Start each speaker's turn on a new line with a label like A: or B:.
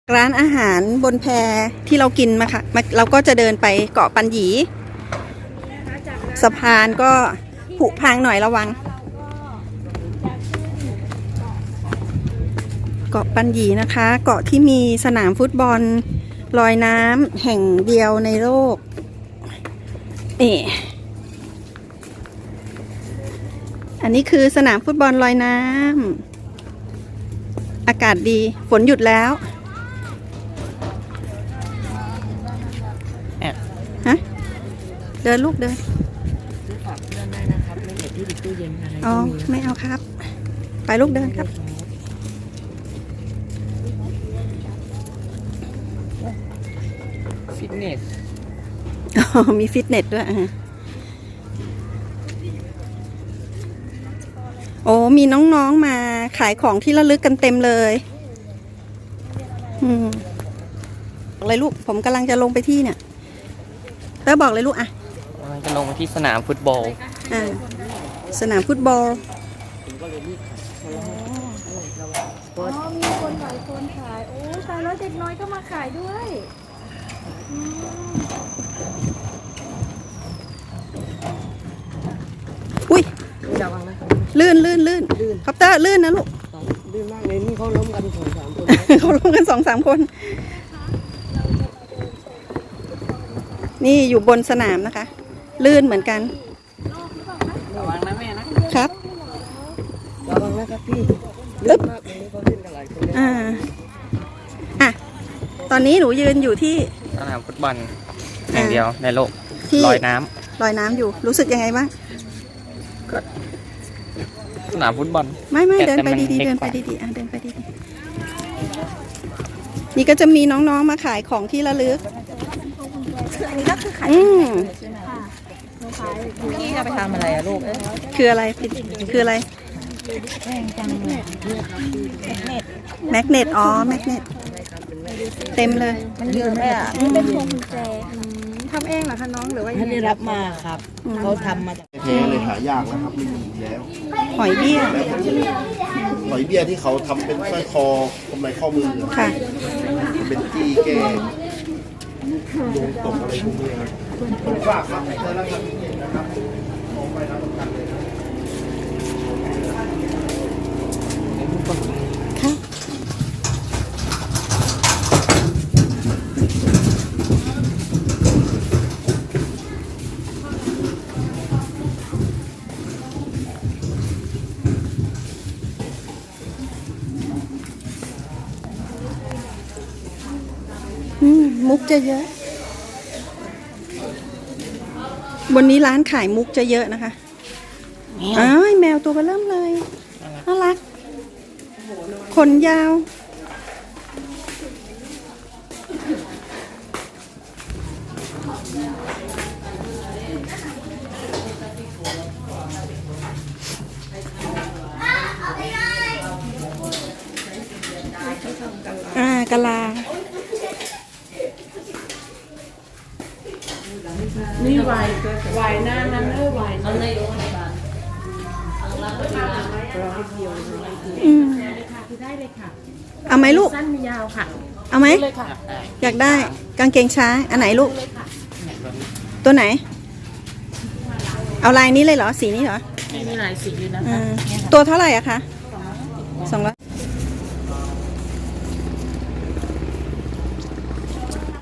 A: ร้านอาหารบนแพที่เรากินมาค่ะเราก็จะเดินไปเกาะปันหยีสะพานก็ผุพังหน่อยระวังเกาะปันหยีนะคะ เกาะที่มีสนามฟุตบอลลอยน้ำแห่งเดียวในโลกอันนี้คือสนามฟุตบอลลอยน้ำอากาศดีฝนหยุดแล้วฮะเดินลูกเดิน
B: ฝากเพื่อนได้นะครับไม่เห็นที่ติดตู้เย็นอะไร
A: อ๋อไม่เอาครับไปลูกเดินครับ
B: ฟิตเนส
A: มีฟิตเนสด้วยโอ้มีน้องๆมาขายของที่ระลึกกันเต็มเลยเลยลูกผมกำลังจะลงไปที่เนี่ยเตอร์บอกเลยลูก
B: จะลงมาที่สนามฟุตบอล
A: สนามฟุตบอล
C: มีคนขายโอ้ตายแล้วเด็กน้อยก็มาขายด้วย
A: อุ้ย
B: ระวังนะครับ
A: ลื่นคอปเตอร์ลื่นนะลูก
B: ลื่นมากเลยนี่เขาล้มกัน2-3 คน
A: เขาล้มกัน2-3 คนนี่อยู่บนสนามนะคะลื่นเหมือนกัน
B: ระวังนะแม่นะครับระวังนะครับพี่ลื่นมากเลยนี่เขาเล่นกันหลายคน
A: ตอนนี้หนูยืนอยู่ที่
B: สนามฟุตบอลอย่างเดียวในโลกลอยน้
A: ำอยู่รู้สึกยังไงบ้าง
B: สนามฟุตบอล
A: ไม่เดินไปดีๆเดินไปดีๆนี่ก็จะมีน้องๆมาขายของที่ระลึก
C: อันนี้ก็คือขาย
B: พี่จะไปทำอะไรอะลูก
A: คืออะไรคืออะไรแมกเนตอ๋อแมกเนตเต็มเลย
C: มันเยอะเลยเป็นพวงกุญแจทำเองเหรอคะน้องหรือว่า
B: ท่านได้รับมาครับเขาทำมาจาก
D: เทเลยหายากนะครับไม่มีแล้ว
A: หอยเบี้ย
D: ที่เขาทำเป็นสร้อยคอกำไรข้อมือ
A: ค่ะ
D: เป็นจี้แก้ดวงตกอะไรพวกนี้ครับฝากครับเจอแล้วครับนะครับมองไปรับประกันเลย
A: มุกจะเยอะบนนี้ร้านขายมุกจะเยอะนะคะแมวตัวเบอเริ่มเลยน่ารักขนยาวกะลา
B: นี่วายหน้านั้นวายนั่นเลยได้เลยค่ะ
A: เอาไหมลูก
B: สั้นมียาวค่ะ
A: เอาไหมอยากได้กางเกงช้างอันไหนลูกตัวไหนเอาลายนี้เลยเหรอสีนี้เหรอ
B: มีหลายสีอยู่นะคะ
A: ตัวเท่าไหร่อะคะ200